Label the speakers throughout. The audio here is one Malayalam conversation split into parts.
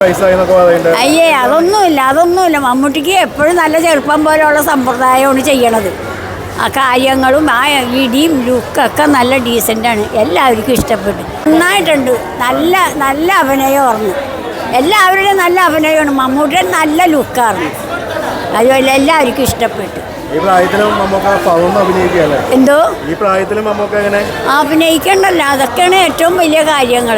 Speaker 1: അയ്യേ അതൊന്നുമില്ല മമ്മൂട്ടിക്ക് എപ്പോഴും നല്ല ചെറുപ്പം പോലെയുള്ള സമ്പ്രദായമാണ് ചെയ്യണത്. ആ കാര്യങ്ങളും ആ ഇടിയും ലുക്കൊക്കെ നല്ല ഡീസൻ്റാണ്. എല്ലാവർക്കും ഇഷ്ടപ്പെട്ടു. നന്നായിട്ടുണ്ട്. നല്ല അഭിനയമായിരുന്നു. എല്ലാവരുടെയും നല്ല അഭിനയമാണ്. മമ്മൂട്ടിയുടെ നല്ല ലുക്കായിരുന്നു. അതുപോലെ എല്ലാവർക്കും ഇഷ്ടപ്പെട്ടു. എന്തോ അഭിനയിക്കണ്ടല്ലോ, അതൊക്കെയാണ് ഏറ്റവും വലിയ കാര്യങ്ങൾ.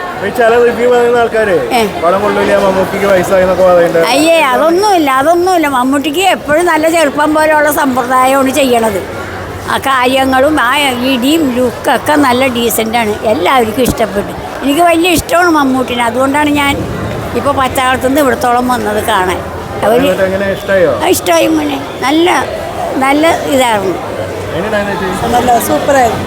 Speaker 1: അയ്യേ അതൊന്നുമില്ല മമ്മൂട്ടിക്ക് എപ്പോഴും നല്ല ചെറുപ്പം പോലെയുള്ള സമ്പ്രദായമാണ് ചെയ്യണത്. ആ കാര്യങ്ങളും ആ ഇടിയും ലുക്കൊക്കെ നല്ല ഡീസൻ്റാണ്. എല്ലാവർക്കും ഇഷ്ടപ്പെട്ടു. എനിക്ക് വലിയ ഇഷ്ടമാണ് മമ്മൂട്ടിനെ. അതുകൊണ്ടാണ് ഞാൻ ഇപ്പോൾ പച്ചാളത്തുനിന്ന് ഇവിടത്തോളം വന്നത് കാണാൻ. ഇഷ്ടമായി മോനെ. നല്ല ഇതായിരുന്നു.
Speaker 2: നല്ല സൂപ്പറായിരുന്നു.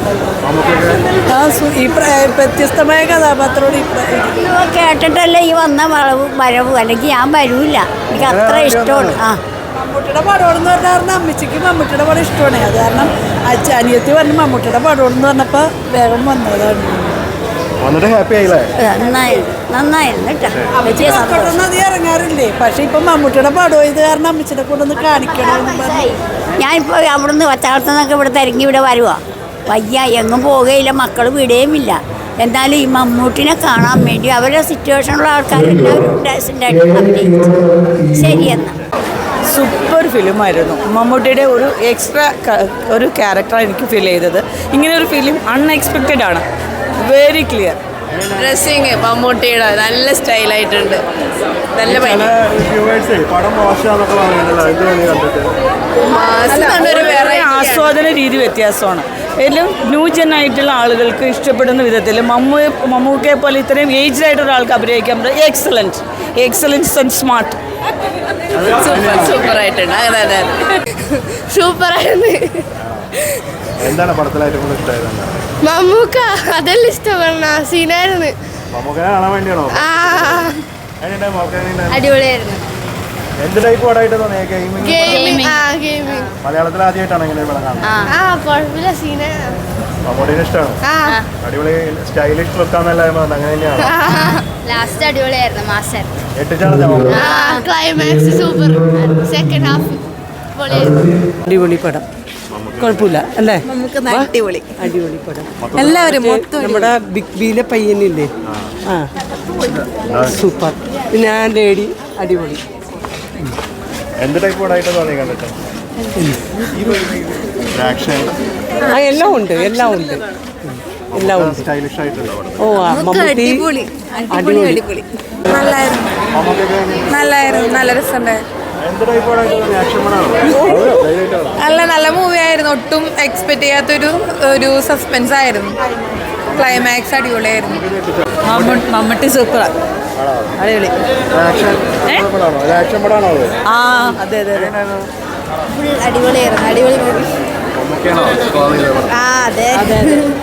Speaker 2: ഈ വ്യത്യസ്തമായ കഥാപാത്രത്തോട്
Speaker 1: കേട്ടിട്ടല്ലേ ഈ വന്ന വരവ്, അല്ലെങ്കിൽ ഞാൻ വരൂല്ല. എനിക്ക് അത്ര ഇഷ്ടമാണ്.
Speaker 2: മമ്മൂട്ടിയുടെ പടമെന്ന് പറഞ്ഞാൽ അമ്മച്ചിക്ക് മമ്മൂട്ടിയുടെ പടം ഇഷ്ടമാണ്. അത് കാരണം അനിയത്തി പറഞ്ഞ് മമ്മൂട്ടിയുടെ പടമെന്ന് പറഞ്ഞപ്പോൾ വേഗം വന്നതാണ്.
Speaker 1: നന്നായിരുന്നു
Speaker 2: കേട്ടോ. ഇറങ്ങാറില്ലേ? പക്ഷെ ഇപ്പൊ മമ്മൂട്ടിയുടെ പടം ഇത് കാരണം അമ്മച്ചിനെ കൊണ്ടൊന്ന് കാണിക്കണം.
Speaker 1: ഞാനിപ്പോൾ അവിടുന്ന് പച്ചാളത്തുനിന്നൊക്കെ ഇവിടെ തിരങ്ങി ഇവിടെ വരുവാ. വയ്യ, എങ്ങും പോകുകയില്ല, മക്കൾ വിടുകയുമില്ല. എന്നാലും ഈ മമ്മൂട്ടിനെ കാണാൻ വേണ്ടി അവരുടെ സിറ്റുവേഷനുള്ള ആൾക്കാരെല്ലാവരും ശരിയെന്നാ.
Speaker 2: സൂപ്പർ ഫിലിമായിരുന്നു. മമ്മൂട്ടിയുടെ ഒരു എക്സ്ട്രാ ഒരു ക്യാരക്ടറാണ് എനിക്ക് ഫീൽ ചെയ്തത്. ഇങ്ങനെ ഒരു ഫിലിം അൺഎക്സ്പെക്റ്റഡ് ആണ്. Very clear.
Speaker 3: ഡ്രസ്സിങ് മമ്മൂട്ടിയുടെ നല്ല സ്റ്റൈലായിട്ടുണ്ട്. നല്ല
Speaker 2: ആസ്വാദന രീതി വ്യത്യാസമാണ്. എല്ലാം ന്യൂ ജെൻ ആയിട്ടുള്ള ആളുകൾക്ക് ഇഷ്ടപ്പെടുന്ന വിധത്തിൽ മമ്മൂക്കയെ പോലെ ഇത്രയും ഏജ്ഡ് ആയിട്ടുള്ള ആൾക്ക് അഭിനയിക്കാൻ പറ്റും. Excellence and smart.
Speaker 3: സൂപ്പറായിട്ടുണ്ട്. അതെ സൂപ്പറായിരുന്നു. മമ്മൂക്ക അതെല്ലാം ഇഷ്ടപ്പെടുന്ന സീനായിരുന്നു. അടിപൊളിയായിരുന്നു. കുഴപ്പമില്ല, ലാസ്റ്റ് അടിപൊളിയായിരുന്നു. Master climax super. Second half
Speaker 2: അടിപൊളി പടം. കുഴപ്പമില്ല അല്ലേ?
Speaker 3: അടിപൊളി
Speaker 2: പടം.
Speaker 3: എല്ലാവരും
Speaker 2: നമ്മുടെ ബിഗ് ബിയിലെ പയ്യനില്ലേ? സൂപ്പർ. പിന്നെ ആ ലേഡി അടിപൊളി. എല്ലാം ഉണ്ട്. ഓ മമ്മൂട്ടി
Speaker 3: അടിപൊളി. നല്ലായിരുന്നു. നല്ല രസമുണ്ടായിരുന്നു. നല്ല മൂവി ആയിരുന്നു. ഒട്ടും എക്സ്പെക്ട് ചെയ്യാത്തൊരു സസ്പെൻസ് ആയിരുന്നു. ക്ലൈമാക്സ് അടിപൊളിയായിരുന്നു.
Speaker 2: മമ്മൂട്ടി സൂപ്പറാണ്. അടിപൊളി. അതെ
Speaker 3: അടിപൊളിയായിരുന്നു. അടിപൊളി മൂവി. അതെ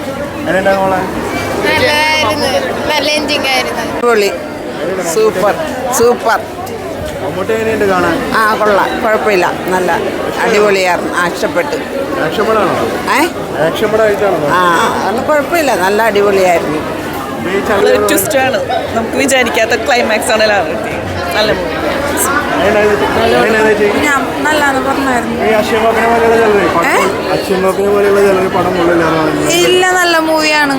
Speaker 3: നല്ല എൻജിങ് ആയിരുന്നു.
Speaker 2: അടിപൊളി. സൂപ്പർ. കൊള്ളാം. കുഴപ്പമില്ല. നല്ല അടിപൊളിയായിരുന്നു. ഇഷ്ടപ്പെട്ടു. കുഴപ്പമില്ല. നല്ല അടിപൊളിയായിരുന്നു. ട്വിസ്റ്റാണ്. നമുക്ക് വിചാരിക്കാത്ത ക്ലൈമാക്സ് ആണ്. നല്ല
Speaker 3: നല്ലതാന്ന് പറഞ്ഞായിരുന്നു. ഇല്ല, നല്ല മൂവിയാണ്.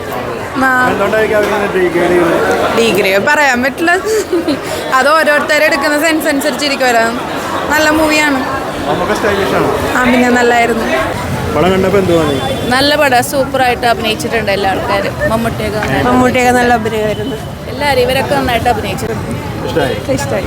Speaker 3: ഡിഗ്രി പറയാൻ പറ്റില്ല. അത് ഓരോരുത്തരും എടുക്കുന്ന സെൻസ് അനുസരിച്ചിരിക്കുമല്ലോ. നല്ല മൂവിയാണ്. പിന്നെ നല്ലായിരുന്നു. നല്ല പടം. സൂപ്പറായിട്ട് അഭിനയിച്ചിട്ടുണ്ട് എല്ലാ ആൾക്കാരും. മമ്മൂട്ടിയൊക്കെ നല്ല അഭിനയമായിരുന്നു. എല്ലാവരും ഇവരൊക്കെ നന്നായിട്ട് അഭിനയിച്ചിട്ടുണ്ട്. ഇഷ്ടമായി.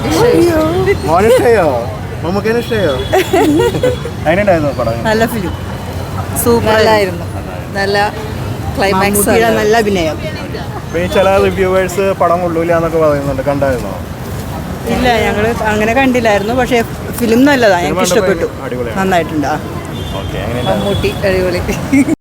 Speaker 2: നല്ല ഫിലിം. സൂപ്പറായിരുന്നു. നല്ല ക്ലൈമാക്സ്. നല്ല അഭിനയം.
Speaker 4: ചില റിവ്യൂവേഴ്സ് പടം കൊള്ളൂല എന്നൊക്കെ പറയുന്നുണ്ട്. കണ്ടായിരുന്നോ?
Speaker 2: ഇല്ല, ഞങ്ങൾ അങ്ങനെ കണ്ടില്ലായിരുന്നു. പക്ഷേ ഫിലിം നല്ലതാണ്. ഞങ്ങൾക്ക് ഇഷ്ടപ്പെട്ടു. നന്നായിട്ടുണ്ട്.
Speaker 4: ഓക്കെ.
Speaker 2: മമ്മൂട്ടി അടിപൊളി.